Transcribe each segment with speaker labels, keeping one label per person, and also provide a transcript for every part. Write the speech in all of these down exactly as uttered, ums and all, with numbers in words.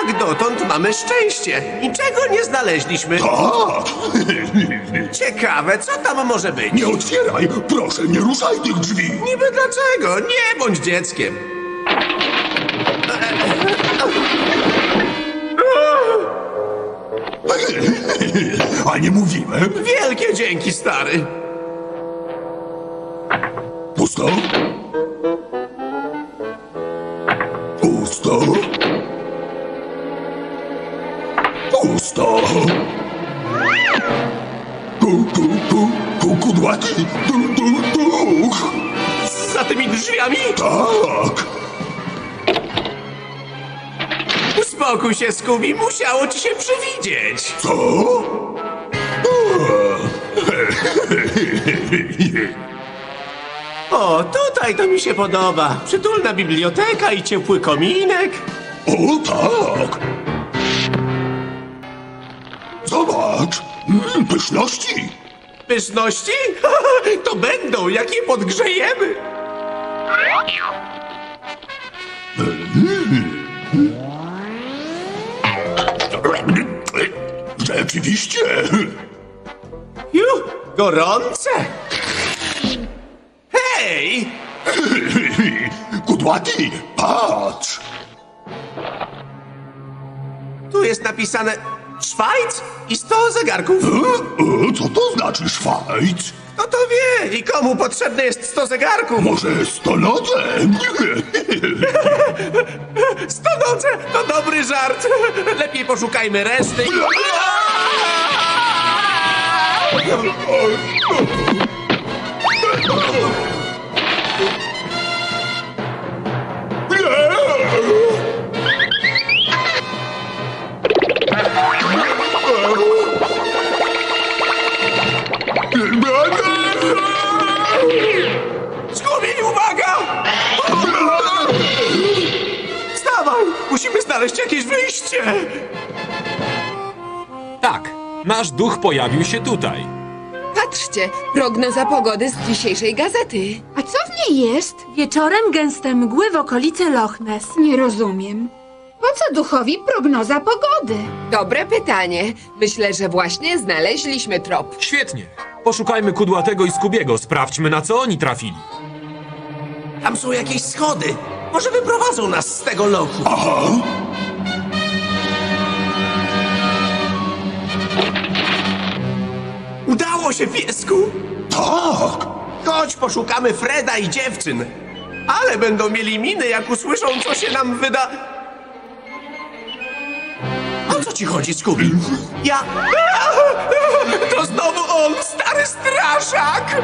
Speaker 1: Jak dotąd mamy szczęście. Niczego nie znaleźliśmy.
Speaker 2: Tak!
Speaker 1: Ciekawe, co tam może być?
Speaker 2: Nie otwieraj! Proszę, nie ruszaj tych drzwi!
Speaker 1: Niby dlaczego? Nie bądź dzieckiem.
Speaker 2: A nie mówiłem?
Speaker 1: Wielkie dzięki, stary.
Speaker 2: Pusto? Pusto? Pusto! Ku, ku, ku, ku, kudłaty! Du, du, duch!
Speaker 1: Za tymi drzwiami?
Speaker 2: Tak!
Speaker 1: Uspokój się, Scooby. Musiało ci się przywidzieć.
Speaker 2: Co?
Speaker 1: O, tutaj to mi się podoba. Przytulna biblioteka i ciepły kominek.
Speaker 2: O tak! Zobacz! Mm, pyszności!
Speaker 1: Pyszności? To będą, jak je podgrzejemy.
Speaker 2: Rzeczywiście!
Speaker 1: Ju, gorące. Hej!
Speaker 2: Kudłaty, patrz!
Speaker 1: Tu jest napisane Szwajc i sto zegarków.
Speaker 2: E, e, co to znaczy Szwajc?
Speaker 1: Kto to wie i komu potrzebne jest sto zegarków?
Speaker 2: Może stolodem?
Speaker 1: Stonoce to dobry żart. Lepiej poszukajmy reszty. i- Scooby, uwaga! Wstawaj! Musimy znaleźć jakieś wyjście!
Speaker 3: Tak, nasz duch pojawił się tutaj.
Speaker 4: Patrzcie, prognoza pogody z dzisiejszej gazety.
Speaker 5: A co w niej jest?
Speaker 6: Wieczorem gęste mgły w okolicy Loch Ness.
Speaker 5: Nie rozumiem. Po co duchowi prognoza pogody?
Speaker 4: Dobre pytanie. Myślę, że właśnie znaleźliśmy trop.
Speaker 3: Świetnie. Poszukajmy Kudłatego i Skubiego. Sprawdźmy, na co oni trafili.
Speaker 1: Tam są jakieś schody. Może wyprowadzą nas z tego lochu.
Speaker 2: Aha!
Speaker 1: Udało się, piesku!
Speaker 2: Tak!
Speaker 1: Chodź, poszukamy Freda i dziewczyn. Ale będą mieli miny, jak usłyszą, co się nam wyda... O co ci chodzi, Scooby? Ja... To znowu on, stary straszak!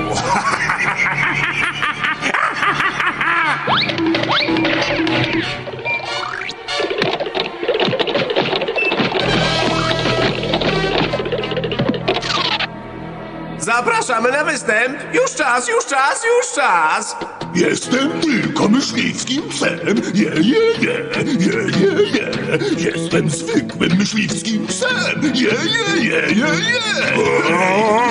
Speaker 1: Zapraszamy na występ! Już czas, już czas, już czas!
Speaker 2: Jestem tylko myśliwskim psem! Je, je, je! Je, je, je! Jestem zwykłym myśliwskim psem! Je, je, je, je, je!